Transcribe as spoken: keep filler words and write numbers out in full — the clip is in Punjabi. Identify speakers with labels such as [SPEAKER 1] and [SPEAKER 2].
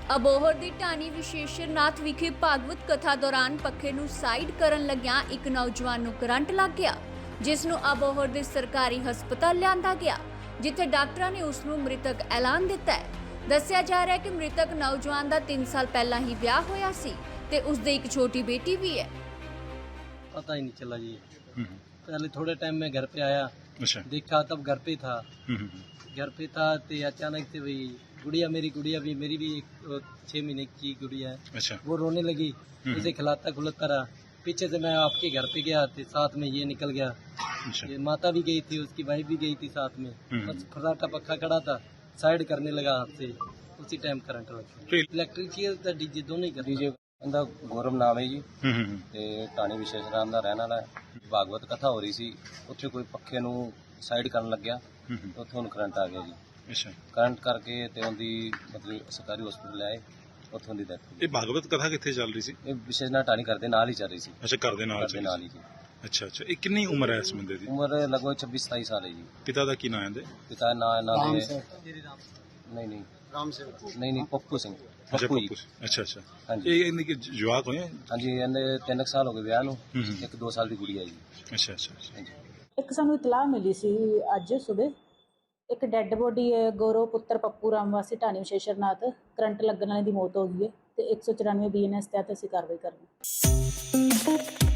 [SPEAKER 1] ਅਬੋਹਰ ਦੀ ਢਾਣੀ ਵਿਸ਼ੇਸ਼ਰਨਾਥ ਵਿਖੇ ਭਾਗਵਤ ਕਥਾ ਦੌਰਾਨ ਪੱਖੇ ਨੂੰ ਸਾਈਡ ਕਰਨ ਲੱਗਿਆਂ ਇੱਕ ਨੌਜਵਾਨ ਨੂੰ ਕਰੰਟ ਲੱਗ ਗਿਆ, ਜਿਸ ਨੂੰ ਅਬੋਹਰ ਦੇ ਸਰਕਾਰੀ ਹਸਪਤਾਲ ਲਿਆਂਦਾ ਗਿਆ, ਜਿੱਥੇ ਡਾਕਟਰਾਂ ਨੇ ਉਸ ਨੂੰ ਮ੍ਰਿਤਕ ਐਲਾਨ ਦਿੱਤਾ ਹੈ। ਦੱਸਿਆ ਜਾ ਰਿਹਾ ਹੈ ਕਿ ਮ੍ਰਿਤਕ ਨੌਜਵਾਨ ਦਾ तीन साल पहला ही ਵਿਆਹ ਹੋਇਆ ਸੀ ਤੇ ਉਸ ਦੇ ਇੱਕ ਛੋਟੀ बेटी भी है।
[SPEAKER 2] पता ही नहीं चला जी। पहले थोड़े टाइम में घर पे आया,
[SPEAKER 3] अच्छा।
[SPEAKER 2] देखा तब घर पे था। घर पे था तो अचानक से वही गुड़िया, मेरी गुड़िया भी, मेरी भी एक छह महीने की गुड़िया है,
[SPEAKER 3] अच्छा।
[SPEAKER 2] वो रोने लगी, उसे खिलाता खुलाता रहा। पीछे से मैं आपके घर पे गया तो साथ में ये निकल गया।
[SPEAKER 3] अच्छा।
[SPEAKER 2] ये माता भी गई थी, उसकी वाइफ भी गई थी साथ में। बस फटाका पक्का खड़ा था, साइड करने लगा हाथ से, उसी टाइम करंट लग गया। इलेक्ट्रिशियन डीजे दोनों ही कर
[SPEAKER 4] डीजे ਇਹਦਾ ਗੌਰਵ ਨਾਮ ਹੈ ਜੀ ਤੇ ਢਾਣੀ ਵਿਸ਼ੇਸ਼ਰਾਮ ਦਾ ਰਹਿਣ ਵਾਲਾ ਹੈ। ਭਾਗਵਤ ਕਥਾ ਹੋ ਰਹੀ ਸੀ, ਉੱਥੇ ਕੋਈ ਪੱਖੇ ਨੂੰ ਸਾਈਡ ਕਰਨ ਲੱਗਿਆ, ਉੱਥੇ ਉਹਨੂੰ ਕਰੰਟ ਆ ਗਿਆ ਜੀ।
[SPEAKER 3] ਅੱਛਾ।
[SPEAKER 4] ਕਰੰਟ ਕਰਕੇ ਤੇ ਉਹਦੀ ਮਤਲਬ ਸਰਕਾਰੀ ਹਸਪੀਟਲ ਆਏ, ਉੱਥੋਂ ਦੀ ਡੈਥ ਹੋ
[SPEAKER 3] ਇਹ ਭਾਗਵਤ ਕਥਾ ਕਿੱਥੇ ਚੱਲ ਰਹੀ ਸੀ?
[SPEAKER 4] ਗਈ। ਇਹ ਵਿਸ਼ੇਸ਼ਨਾਥ ਢਾਣੀ ਘਰ ਦੇ ਨਾਲ ਹੀ ਚੱਲ ਰਹੀ ਸੀ।
[SPEAKER 3] ਅੱਛਾ, ਘਰ ਦੇ ਨਾਲ
[SPEAKER 4] ਘਰ ਦੇ ਨਾਲ ਹੀ ਜੀ।
[SPEAKER 3] ਅੱਛਾ ਅੱਛਾ। ਇਹ ਕਿੰਨੀ ਉਮਰ ਹੈ ਇਸ ਬੰਦੇ ਦੀ?
[SPEAKER 4] ਉਮਰ ਲਗਭਗ ਛੱਬੀ ਸਤਾਈ ਸਾਲ ਹੈ ਜੀ।
[SPEAKER 3] ਪਿਤਾ ਦਾ ਕੀ ਨਾਮ ਹੈ ਇਹਦੇ?
[SPEAKER 4] ਪਿਤਾ ਦਾ ਨਾਂ ਇਹਨਾਂ ਦੇ ਨਹੀਂ ਨਹੀਂ
[SPEAKER 2] राम से
[SPEAKER 4] ਨਹੀਂ ਨਹੀਂ ਪੱਪੂ ਸਿੰਘ।
[SPEAKER 3] ਅੱਛਾ
[SPEAKER 4] ਪੱਪੂ ਜੀ।
[SPEAKER 3] ਪੱਪੂ। ਅੱਛਾ ਅੱਛਾ।
[SPEAKER 4] ਹਾਂਜੀ।
[SPEAKER 3] ਇਹ ਇਹਦੇ ਕਿ ਜਵਾਕ ਹੋਏ?
[SPEAKER 4] ਹਾਂਜੀ, ਇਹਦੇ ਤਿੰਨ ਕੁ ਸਾਲ ਹੋ ਗਏ ਵਿਆਹ ਨੂੰ,
[SPEAKER 3] ਹੂੰ ਹੂੰ।
[SPEAKER 4] ਇੱਕ ਦੋ ਸਾਲ ਦੀ ਕੁੜੀ ਹੈ ਜੀ।
[SPEAKER 3] ਅੱਛਾ ਅੱਛਾ ਅੱਛਾ।
[SPEAKER 4] ਹਾਂਜੀ।
[SPEAKER 5] ਇੱਕ ਸਾਨੂੰ ਇਤਲਾਹ ਮਿਲੀ ਸੀ ਅੱਜ ਸਵੇਰੇ, ਇੱਕ ਡੈੱਡ ਬੋਡੀ ਹੈ ਗੌਰਵ ਪੁੱਤਰ ਪੱਪੂ ਰਾਮ ਵਾਸੀ ਢਾਣੀ ਵਿਸ਼ੇਸ਼ਰਨਾਥ, ਕਰੰਟ ਲੱਗਣ ਵਾਲੇ ਦੀ ਮੌਤ ਹੋ ਗਈ ਹੈ ਤੇ ਇੱਕ ਸੌ ਚੁਰਾਨਵੇਂ ਬੀ ਐਨ ਐਸ ਤਹਿਤ ਅਸੀਂ ਕਾਰਵਾਈ ਕਰ ਰਹੇ ਹਾਂ।